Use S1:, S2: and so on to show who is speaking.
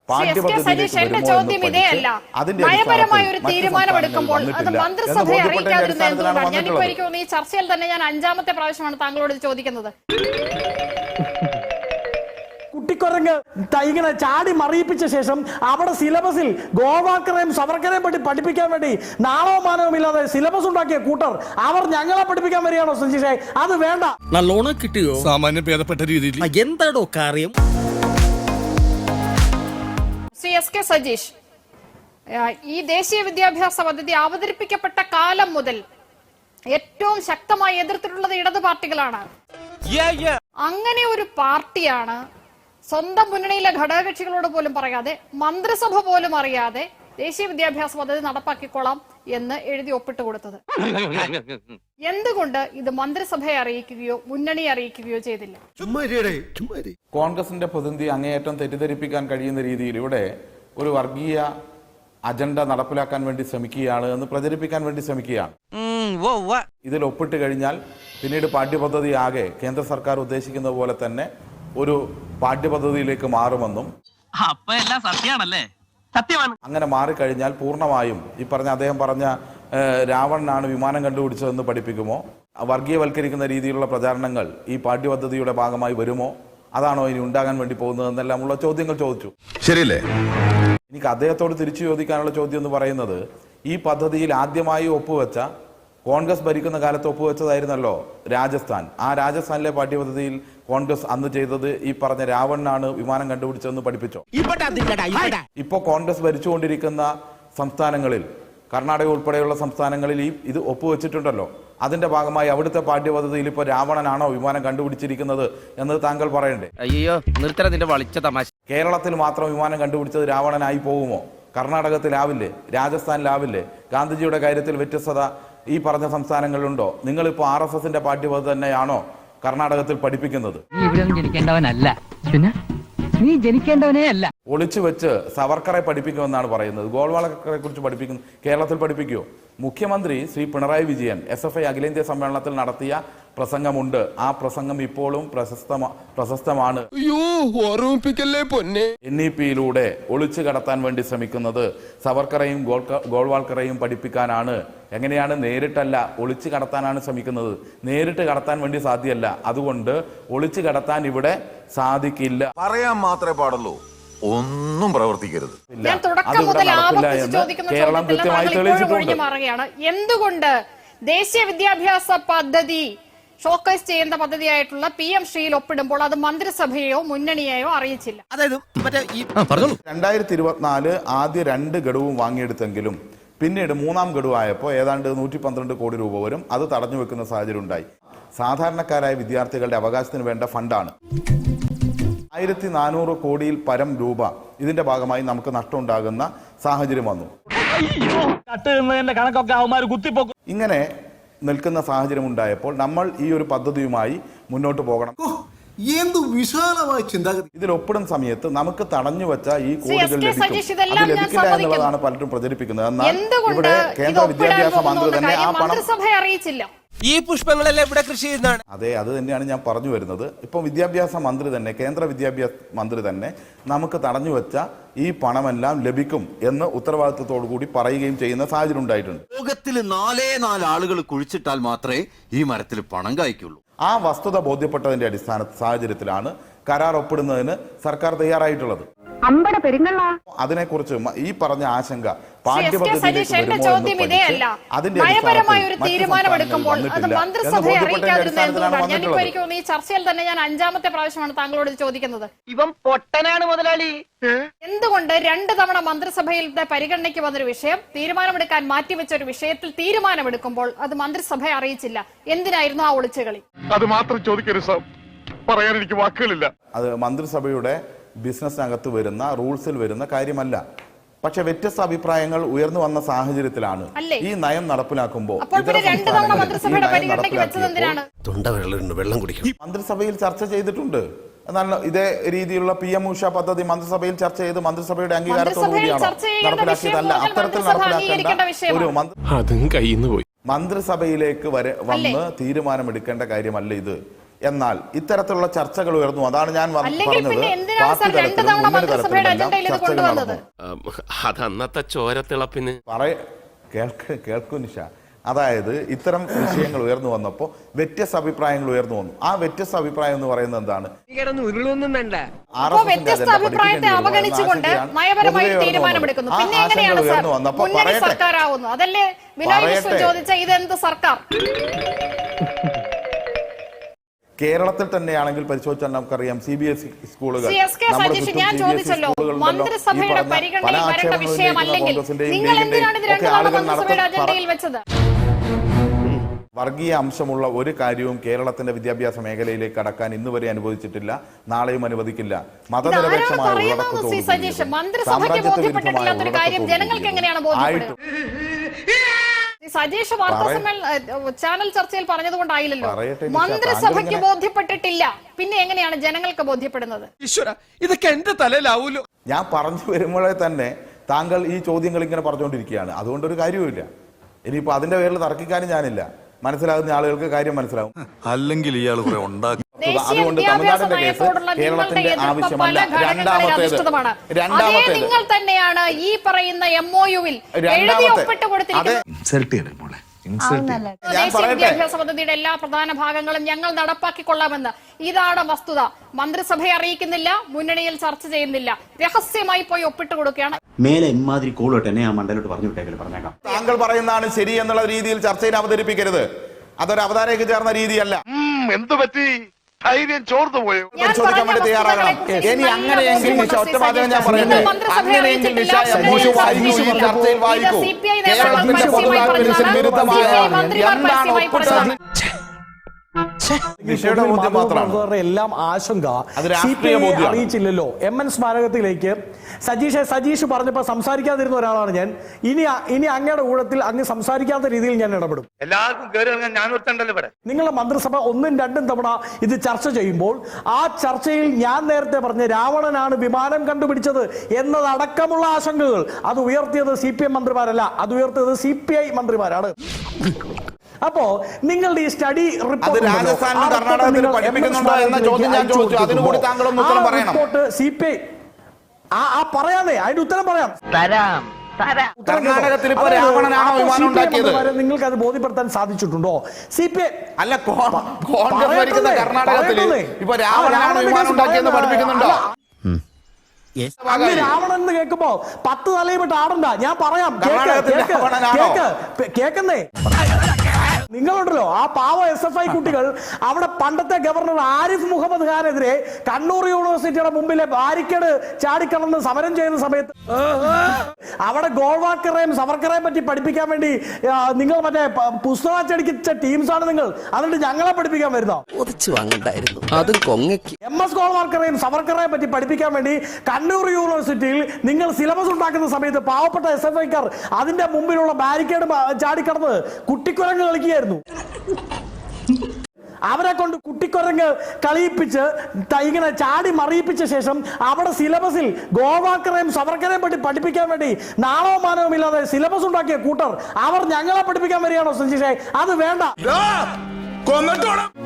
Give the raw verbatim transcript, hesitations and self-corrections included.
S1: ചോദ്യം ഇതേ അല്ല. നയപരമായ ഒരു തീരുമാനമെടുക്കുമ്പോൾ അത് മന്ത്രിസഭയെ അറിയിക്കാതിരുന്ന എന്തുകൊണ്ടാണ്? ഞാനിപ്പോ എനിക്ക് തോന്നുന്നു ഈ ചർച്ചയിൽ തന്നെ ഞാൻ അഞ്ചാമത്തെ പ്രാവശ്യമാണ് താങ്കളോട് ചോദിക്കുന്നത്.
S2: കുട്ടിക്കൊരങ്ങ് ഇങ്ങനെ ചാടി മറിയിപ്പിച്ച ശേഷം അവിടെ സിലബസിൽ ഗോവാക്കറേയും സവർക്കറേയും പറ്റി പഠിപ്പിക്കാൻ വേണ്ടി നാളവും മാനവും ഇല്ലാതെ സിലബസ് ഉണ്ടാക്കിയ കൂട്ടർ അവർ ഞങ്ങളെ പഠിപ്പിക്കാൻ വരികയാണോ സഞ്ജീഷേ? അത് വേണ്ട.
S3: നല്ലോണം കിട്ടിയോ?
S4: സാമാന്യം ഭേദപ്പെട്ട രീതിയിൽ.
S3: എന്താടോ കാര്യം?
S1: ശ്രീ എസ് കെ സജീഷ്, ഈ ദേശീയ വിദ്യാഭ്യാസ പദ്ധതി അവതരിപ്പിക്കപ്പെട്ട കാലം മുതൽ ഏറ്റവും ശക്തമായി എതിർത്തിട്ടുള്ളത് ഇടതു പാർട്ടികളാണ്. അങ്ങനെ ഒരു പാർട്ടിയാണ് സ്വന്തം മുന്നണിയിലെ ഘടകകക്ഷികളോട് പോലും പറയാതെ, മന്ത്രിസഭ പോലും അറിയാതെ ദേശീയ വിദ്യാഭ്യാസ പദ്ധതി നടപ്പാക്കിക്കോളാം എന്ന് എഴുതി ഒപ്പിട്ട് കൊടുത്തത്. എന്തുകൊണ്ട് ഇത് മന്ത്രിസഭയെ അറിയിക്കുകയോ മുന്നണിയെ അറിയിക്കുകയോ ചെയ്തില്ല?
S5: കോൺഗ്രസിന്റെ പ്രതിനിധി അങ്ങേയറ്റം തെറ്റിദ്ധരിപ്പിക്കാൻ കഴിയുന്ന രീതിയിൽ ഇവിടെ ഒരു വർഗീയ അജണ്ട നടപ്പിലാക്കാൻ വേണ്ടി ശ്രമിക്കുകയാണ് എന്ന് പ്രചരിപ്പിക്കാൻ വേണ്ടി ശ്രമിക്കുകയാണ്. ഇതിൽ ഒപ്പിട്ട് കഴിഞ്ഞാൽ പിന്നീട് പാഠ്യപദ്ധതി ആകെ കേന്ദ്ര സർക്കാർ ഉദ്ദേശിക്കുന്ന പോലെ തന്നെ ഒരു പാഠ്യപദ്ധതിയിലേക്ക് മാറുമെന്നും അങ്ങനെ മാറിക്കഴിഞ്ഞാൽ പൂർണ്ണമായും ഈ പറഞ്ഞ അദ്ദേഹം പറഞ്ഞ രാവണനാണ് വിമാനം കണ്ടുപിടിച്ചതെന്ന് പഠിപ്പിക്കുമോ, വർഗീയവൽക്കരിക്കുന്ന രീതിയിലുള്ള പ്രചാരണങ്ങൾ ഈ പാഠ്യപദ്ധതിയുടെ ഭാഗമായി വരുമോ, അതാണോ ഇനി ഉണ്ടാകാൻ വേണ്ടി പോകുന്നതെന്നെല്ലാമുള്ള ചോദ്യങ്ങൾ ചോദിച്ചു.
S4: ശരിയല്ലേ?
S5: എനിക്ക് അദ്ദേഹത്തോട് തിരിച്ചു ചോദിക്കാനുള്ള ചോദ്യം എന്ന് പറയുന്നത്, ഈ പദ്ധതിയിൽ ആദ്യമായി ഒപ്പുവെച്ച കോൺഗ്രസ് ഭരിക്കുന്ന കാലത്ത് ഒപ്പുവെച്ചതായിരുന്നല്ലോ രാജസ്ഥാൻ. ആ രാജസ്ഥാനിലെ പാഠ്യപദ്ധതിയിൽ കോൺഗ്രസ് അന്ന് ചെയ്തത് ഈ പറഞ്ഞ രാവണനാണ് വിമാനം കണ്ടുപിടിച്ചതെന്ന് പഠിപ്പിച്ചോ? ഇപ്പോ കോൺഗ്രസ് ഭരിച്ചുകൊണ്ടിരിക്കുന്ന സംസ്ഥാനങ്ങളിൽ, കർണാടക ഉൾപ്പെടെയുള്ള സംസ്ഥാനങ്ങളിൽ ഈ ഇത് ഒപ്പുവെച്ചിട്ടുണ്ടല്ലോ. അതിന്റെ ഭാഗമായി അവിടുത്തെ പാഠ്യപദ്ധതിയിൽ ഇപ്പൊ രാവണനാണോ വിമാനം കണ്ടുപിടിച്ചിരിക്കുന്നത് എന്ന് താങ്കൾ പറയണ്ടേ?
S3: അയ്യോ നിർത്തരത്തിന്റെ വളിച്ച തമാശ.
S5: കേരളത്തിൽ മാത്രം വിമാനം കണ്ടുപിടിച്ചത് രാവണനായി പോകുമോ? കർണാടകത്തിലാവില്ലേ? രാജസ്ഥാനിലാവില്ലേ? ഗാന്ധിജിയുടെ കാര്യത്തിൽ വ്യത്യസ്തത ഈ പറഞ്ഞ സംസ്ഥാനങ്ങളിലുണ്ടോ? നിങ്ങളിപ്പോ ആർ എസ് എസിന്റെ പാഠ്യപദ്ധതി തന്നെയാണോ കർണാടകത്തിൽ പഠിപ്പിക്കുന്നത്?
S6: നീ ജനിക്കേണ്ടവനേ അല്ല.
S5: ഒളിച്ചു വെച്ച് സവർക്കറെ പഠിപ്പിക്കുമെന്നാണ് പറയുന്നത്. ഗോൾവാളക്കറെ കുറിച്ച് പഠിപ്പിക്കുന്നു. കേരളത്തിൽ പഠിപ്പിക്കുമോ? മുഖ്യമന്ത്രി Shri Pinarayi Vijayan S F I അഖിലേന്ത്യാ സമ്മേളനത്തിൽ നടത്തിയ പ്രസംഗമുണ്ട്. ആ പ്രസംഗം ഇപ്പോഴും പ്രശസ്ത പ്രശസ്തമാണ്. എൻ ഇ പിയിലൂടെ ഒളിച്ചു കടത്താൻ വേണ്ടി ശ്രമിക്കുന്നത് സവർക്കറേയും ഗോൾവാൾക്കറേയും പഠിപ്പിക്കാനാണ്. എങ്ങനെയാണ്? നേരിട്ടല്ല, ഒളിച്ചു കടത്താനാണ് ശ്രമിക്കുന്നത്. നേരിട്ട് കടത്താൻ വേണ്ടി സാധ്യമല്ല. അതുകൊണ്ട് ഒളിച്ചു കടത്താൻ ഇവിടെ സാധിക്കില്ല.
S4: പറയാൻ മാത്രമേ പാടുള്ളൂ, ഒന്നും പ്രവർത്തിക്കരുത്.
S1: ഞാൻ തുടക്കം മുതൽ ആവർത്തിച്ച് ചോദിക്കുന്ന ചോദ്യത്തിൽ മാറുകയാണ്. എന്തുകൊണ്ട് ദേശീയ വിദ്യാഭ്യാസ പദ്ധതി ഷോക്കേസ് ചെയ്യുന്ന പദ്ധതിയായിട്ടുള്ള പി എം ശ്രീയിൽ ഒപ്പിടുമ്പോൾ അത് മന്ത്രിസഭയെയോ മുന്നണിയെയോ അറിയിച്ചില്ല?
S5: രണ്ടായിരത്തി ഇരുപത്തിനാല് ആദ്യ രണ്ട് ഗഡുവും വാങ്ങിയെടുത്തെങ്കിലും പിന്നീട് മൂന്നാം ഗഡുവായപ്പോൾ ഏതാണ്ട് നൂറ്റി പന്ത്രണ്ട് കോടി രൂപ വരും. അത് തടഞ്ഞു വെക്കുന്ന സാഹചര്യം ഉണ്ടായി. സാധാരണക്കാരായ വിദ്യാർത്ഥികളുടെ അവകാശത്തിന് വേണ്ട ഫണ്ടാണ്. ആയിരത്തി നാനൂറ് കോടിയിൽ പരം രൂപ ഇതിന്റെ ഭാഗമായി നമുക്ക് നഷ്ടമുണ്ടാകുന്ന സാഹചര്യം വന്നു. ഇങ്ങനെ നിൽക്കുന്ന സാഹചര്യം ഉണ്ടായപ്പോൾ നമ്മൾ ഈ ഒരു പദ്ധതിയുമായി മുന്നോട്ട് പോകണം. ഇതിൽ ഒപ്പിടുന്ന സമയത്ത് നമുക്ക് തടഞ്ഞു വെച്ച ഈ കോടികൾ ലഭിക്കും. അത് ലഭിക്കില്ല എന്നുള്ളതാണ് പലരും പ്രചരിപ്പിക്കുന്നത്. എന്നാൽ ഇവിടെ കേന്ദ്ര വിദ്യാഭ്യാസ മന്ത്രി തന്നെ ആ പണം
S1: അറിയിച്ചില്ല.
S3: ഈ പുഷ്പങ്ങളെല്ലാം ഇവിടെ കൃഷി ചെയ്യുന്നതാണ്.
S5: അതെ, അത് തന്നെയാണ് ഞാൻ പറഞ്ഞു വരുന്നത്. ഇപ്പം വിദ്യാഭ്യാസ മന്ത്രി തന്നെ, കേന്ദ്ര വിദ്യാഭ്യാസ മന്ത്രി തന്നെ നമുക്ക് തടഞ്ഞു വെച്ച ഈ പണമെല്ലാം ലഭിക്കും എന്ന് ഉത്തരവാദിത്വത്തോടു കൂടി പറയുകയും ചെയ്യുന്ന സാഹചര്യം ഉണ്ടായിട്ടുണ്ട്.
S7: ലോകത്തിൽ നാലേ നാല് ആളുകൾ കുഴിച്ചിട്ടാൽ മാത്രമേ ഈ മരത്തിൽ പണം കായ്ക്കുള്ളൂ.
S5: ആ വസ്തുത ബോധ്യപ്പെട്ടതിന്റെ അടിസ്ഥാന സാഹചര്യത്തിലാണ് കരാർ ഒപ്പിടുന്നതിന് സർക്കാർ തയ്യാറായിട്ടുള്ളത്. അതിനെക്കുറിച്ച് ഈ പറഞ്ഞ ആശങ്ക
S1: ചോദ്യം ഇതേ അല്ല. നയപരമായ ഒരു തീരുമാനമെടുക്കുമ്പോൾ അത് മന്ത്രിസഭയെ അറിയിക്കാതിരുന്ന എന്തുകൊണ്ടാണ്? ഞാനിപ്പോ എനിക്ക് തോന്നുന്നു ഈ ചർച്ചയിൽ തന്നെ ഞാൻ അഞ്ചാമത്തെ പ്രാവശ്യമാണ് താങ്കളോട് ചോദിക്കുന്നത്.
S3: ഇവൻ പൊട്ടനാണ് മുതലാളി.
S1: എന്തുകൊണ്ട് രണ്ട് തവണ മന്ത്രിസഭയിലെ പരിഗണനയ്ക്ക് വന്നൊരു വിഷയം തീരുമാനമെടുക്കാൻ മാറ്റിവെച്ച ഒരു വിഷയത്തിൽ തീരുമാനമെടുക്കുമ്പോൾ അത് മന്ത്രിസഭയെ അറിയിച്ചില്ല? എന്തിനായിരുന്നു ആ ഒളിച്ചുകളി?
S4: അത് മാത്രം ചോദിക്കരുത് സാർ, പറയാൻ എനിക്ക് വാക്കുകളില്ല.
S5: അത് മന്ത്രിസഭയുടെ ബിസിനസ്സിനകത്ത് വരുന്ന റൂൾസിൽ വരുന്ന കാര്യമല്ല. പക്ഷെ വ്യത്യസ്ത അഭിപ്രായങ്ങൾ ഉയർന്നു വന്ന സാഹചര്യത്തിലാണ് ഈ നയം നടപ്പിലാക്കുമ്പോൾ മന്ത്രിസഭയിൽ ചർച്ച ചെയ്തിട്ടുണ്ട്. എന്നാൽ ഇതേ രീതിയിലുള്ള പി എം ഉഷ പദ്ധതി മന്ത്രിസഭയിൽ ചർച്ച ചെയ്ത് മന്ത്രിസഭയുടെ അംഗീകാരത്തോടു കൂടിയാണോ നടപ്പിലാക്കിയതല്ല. അത്തരത്തിൽ നടപ്പിലാക്കേണ്ട ഒരു മന്ത്രിസഭയിലേക്ക് വരെ വന്ന് തീരുമാനമെടുക്കേണ്ട കാര്യമല്ല ഇത്. എന്നാൽ ഇത്തരത്തിലുള്ള ചർച്ചകൾ ഉയർന്നു. അതാണ് ഞാൻ വ-
S1: അല്ലെങ്കിൽ
S5: പറഞ്ഞത്.
S1: പിന്നെ എന്തിനാണ്
S5: പാർട്ടി
S1: സാർ രണ്ട്
S5: തലത്തിലും
S1: തവണ
S5: മുന്നണി
S1: മന്ത്രിസഭയുടെ
S5: തലത്തിലും
S1: അജണ്ടയിൽ ഇത്
S5: ചർച്ചകൾ
S1: കൊണ്ടുവന്നത്?
S5: നടന്നു.
S8: അതന്നത്തെ ചോരത്തിളപ്പിന്
S5: പറയ കേൾക്ക് കേൾക്കൂ നിഷ. അതായത് ഇത്തരം വിഷയങ്ങൾ ഉയർന്നു വന്നപ്പോൾ വ്യത്യസ്ത അഭിപ്രായങ്ങൾ ഉയർന്നു വന്നു. ആ വ്യത്യസ്ത അഭിപ്രായം എന്ന് പറയുന്നത് എന്താണ്?
S3: ഉരുളൊന്നും വേണ്ട.
S1: അപ്പോൾ വ്യത്യസ്ത അഭിപ്രായത്തെ അവഗണിച്ചുകൊണ്ട് നയപരമായ തീരുമാനമെടുക്കുന്നു. പിന്നെ എങ്ങനെയാണ് സാർ മുന്നണി സർക്കാരാവുന്നു? അതല്ലേ ബിനോയ് വിശ്വം ചോദിച്ച ഇതെന്ത് സർക്കാർ?
S5: കേരളത്തിൽ തന്നെയാണെങ്കിൽ പരിശോധിച്ചാൽ നമുക്കറിയാം സി ബി എസ് ഇ സ്കൂളുകൾ
S1: സി എസ് കെ സജീഷ് ഞാൻ ചോദിച്ചല്ലോ, മന്ത്രിസഭയുടെ പരിഗണനയിൽ വരേണ്ട വിഷയമല്ലെങ്കിൽ നിങ്ങൾ എന്തിനാണ് ഇത് രണ്ട് തവണ മന്ത്രിസഭയുടെ അജണ്ടയിൽ വെച്ചത്?
S5: വർഗീയ അംശമുള്ള ഒരു കാര്യവും കേരളത്തിന്റെ വിദ്യാഭ്യാസ മേഖലയിലേക്ക് കടക്കാൻ ഇന്ന് വരെ അനുവദിച്ചിട്ടില്ല, നാളെയും അനുവദിക്കില്ല. മതനിരപേക്ഷമായ
S1: സജീഷ് മന്ത്രിസഭയ്ക്ക് ബോധ്യപ്പെട്ടിട്ടില്ലാത്തൊരു കാര്യം ജനങ്ങൾക്ക് എങ്ങനെയാണ് ബോധ്യപ്പെടുക? സജീഷ് വാർത്താ സമ്മേളന ചാനൽ ചർച്ചയിൽ പറഞ്ഞതുകൊണ്ടായില്ലല്ലോ. മന്ത്രിസഭയ്ക്ക് ബോധ്യപ്പെട്ടിട്ടില്ല, പിന്നെ എങ്ങനെയാണ് ജനങ്ങൾക്ക് ബോധ്യപ്പെടുന്നത്?
S3: ഈശ്വര, ഇതൊക്കെ എന്റെ തലയിലാവൂലോ.
S5: ഞാൻ പറഞ്ഞു വരുമ്പോഴേ തന്നെ താങ്കൾ ഈ ചോദ്യങ്ങൾ ഇങ്ങനെ പറഞ്ഞുകൊണ്ടിരിക്കുകയാണ്. അതുകൊണ്ടൊരു കാര്യവുമില്ല. ഇനിയിപ്പോ അതിന്റെ പേരിൽ തർക്കിക്കാനും ഞാനില്ല. മനസ്സിലാകുന്ന ആളുകൾക്ക് കാര്യം മനസ്സിലാവും.
S4: അല്ലെങ്കിൽ ഇയാൾ കുറെ ഉണ്ടാക്കി.
S5: അതുകൊണ്ട് തമിഴ്നാടിന്റെ കേസ് കേരളത്തിന്റെ ആവശ്യമല്ല. രണ്ടാമത്തേത് രണ്ടാമത്തേത്
S1: നിങ്ങൾ തന്നെയാണ് ഈ പറയുന്ന എം ഒ യുവിൽ എഴുതി ഒപ്പിട്ട് കൊടുത്തിരിക്കുന്നത്. ദേശീയ വിദ്യാഭ്യാസ പദ്ധതിയുടെ എല്ലാ പ്രധാന ഭാഗങ്ങളും ഞങ്ങൾ നടപ്പാക്കിക്കൊള്ളാമെന്ന്. ഇതാണ് വസ്തുത. മന്ത്രിസഭയെ അറിയിക്കുന്നില്ല, മുന്നണിയിൽ ചർച്ച ചെയ്യുന്നില്ല, രഹസ്യമായി പോയി ഒപ്പിട്ട് കൊടുക്കുകയാണ്.
S9: മേലെ ഇമാതിരി കൂളോട്ട് എന്നെ ആ മണ്ഡലോട്ട് പറഞ്ഞു വിട്ടേക്കല് പറഞ്ഞേക്കാം.
S5: താങ്കൾ പറയുന്നതാണ് ശരി എന്നുള്ള രീതിയിൽ ചർച്ചയിൽ അവതരിപ്പിക്കരുത്. അതൊരു അവതാരയ്ക്ക് ചേർന്ന രീതിയല്ല.
S8: എന്തു പറ്റി? ധൈര്യം ചോർന്നു പോയോ?
S5: പരിശോധിക്കാൻ വേണ്ടി തയ്യാറാകണം. ഇനി അങ്ങനെയെങ്കിൽ നിഷ ഒറ്റവാചകം ഞാൻ പറയട്ടെ. അങ്ങനെയെങ്കിൽ നിഷ എമോഷൻ വായിക്കൂ, ഈ ചർച്ചയിൽ വായിക്കൂ. കേരളത്തിന്റെ പൊതുതാൽപര്യത്തിന് വിരുദ്ധമായ എന്താണ് ഒപ്പിട്ടത്? നിഷയുടെ ബോധ്യം മാത്രമാണ്.
S2: എല്ലാം ആശങ്ക
S5: അത് രാഷ്ട്രീയ ബോധ്യമാണ്.
S2: അറിയിച്ചില്ലല്ലോ. എം എൻ സ്മാരകത്തിലേക്ക് സജീഷ് സജീഷ് പറഞ്ഞപ്പോ സംസാരിക്കാതിരുന്ന ഒരാളാണ് ഞാൻ. ഇനി ഇനി അങ്ങയുടെ ഊഴത്തിൽ അങ്ങ് സംസാരിക്കാത്ത രീതിയിൽ ഞാൻ ഇടപെടും.
S8: എല്ലാവർക്കും കയറി ഇറങ്ങാൻ ഞാൻ ഒരുത്തണ്ടല്ലോ ഇവിടെ.
S2: നിങ്ങളുടെ മന്ത്രിസഭ ഒന്നും രണ്ടും തവണ ഇത് ചർച്ച ചെയ്യുമ്പോൾ ആ ചർച്ചയിൽ ഞാൻ നേരത്തെ പറഞ്ഞ രാവണനാണ് വിമാനം കണ്ടുപിടിച്ചത് എന്നതടക്കമുള്ള ആശങ്കകൾ അത് ഉയർത്തിയത് സി പി എം മന്ത്രിമാരല്ല, അത് ഉയർത്തിയത് സി പി ഐ മന്ത്രിമാരാണ്. അപ്പോ നിങ്ങളുടെ ഈ സ്റ്റഡി റിപ്പോർട്ട്
S5: രാജസ്ഥാനിലും കർണാടകത്തിലും പഠിപ്പിക്കുന്നുണ്ടോ എന്ന ചോദ്യം ഞാൻ ചോദിച്ചു. അതിന് കൂടി താങ്കളൊന്ന് ഉത്തരം പറയണം.
S2: സി പി ഐ ആ പറയാതെ അതിന്റെ ഉത്തരം പറയാം.
S5: കർണാടകത്തിൽ ഇപ്പൊ രാവണനാണോ വിമാനം ഉണ്ടാക്കിയത്?
S2: നിങ്ങൾക്ക് അത് ബോധ്യപ്പെടുത്താൻ സാധിച്ചിട്ടുണ്ടോ? സി പി ഐ
S5: അല്ല, കോൺഗ്രസ് ഭരിക്കുന്ന കർണാടകത്തിൽ ഇപ്പൊ രാവണനാണോ വിമാനം ഉണ്ടാക്കിയെന്ന് പഠിപ്പിക്കുന്നുണ്ടോ?
S2: അങ്ങ് രാവണൻ എന്ന് കേൾക്കുമ്പോ പത്ത് തലയിട്ട് ആടണ്ട. ഞാൻ പറയാം, കേക്കുന്നേ. നിങ്ങളുണ്ടല്ലോ ആ പാവ എസ് എഫ് ഐ കുട്ടികൾ അവിടെ പണ്ടത്തെ ഗവർണർ ആരിഫ് മുഹമ്മദ് ഖാനെതിരെ കണ്ണൂർ യൂണിവേഴ്സിറ്റിയുടെ മുമ്പിലെ ബാരിക്കേഡ് ചാടിക്കടന്ന് സമരം ചെയ്യുന്ന സമയത്ത് അവിടെ ഗോൾവാക്കറേയും സവർക്കറേയും പറ്റി പഠിപ്പിക്കാൻ വേണ്ടി നിങ്ങൾ മറ്റേ പുസ്തകം അച്ചടിച്ച ടീംസാണ് നിങ്ങൾ. എന്നിട്ട് ഞങ്ങളെ പഠിപ്പിക്കാൻ വരുന്നോ? എം എസ് ഗോൾവാക്കറേയും സവർക്കറേയും പറ്റി പഠിപ്പിക്കാൻ വേണ്ടി കണ്ണൂർ യൂണിവേഴ്സിറ്റിയിൽ നിങ്ങൾ സിലബസ് ഉണ്ടാക്കുന്ന സമയത്ത് പാവപ്പെട്ട എസ് എഫ് ഐക്കാർ അതിന്റെ മുമ്പിലുള്ള ബാരിക്കേഡ് ചാടിക്കടന്ന് കുട്ടിക്കുരങ്ങ് കളിക്കുക. അവരെ കൊണ്ട് കുട്ടിക്കൊരങ്ങ് കളിയിപ്പിച്ച് ഇങ്ങനെ ചാടി മറിയിപ്പിച്ച ശേഷം അവിടെ സിലബസിൽ ഗോവാക്കറേയും സവർക്കറേയും പറ്റി പഠിപ്പിക്കാൻ വേണ്ടി നാളോ മാനവും ഇല്ലാതെ സിലബസ് ഉണ്ടാക്കിയ കൂട്ടർ അവർ ഞങ്ങളെ പഠിപ്പിക്കാൻ വരികയാണോ സഞ്ജീഷേ? അത് വേണ്ട.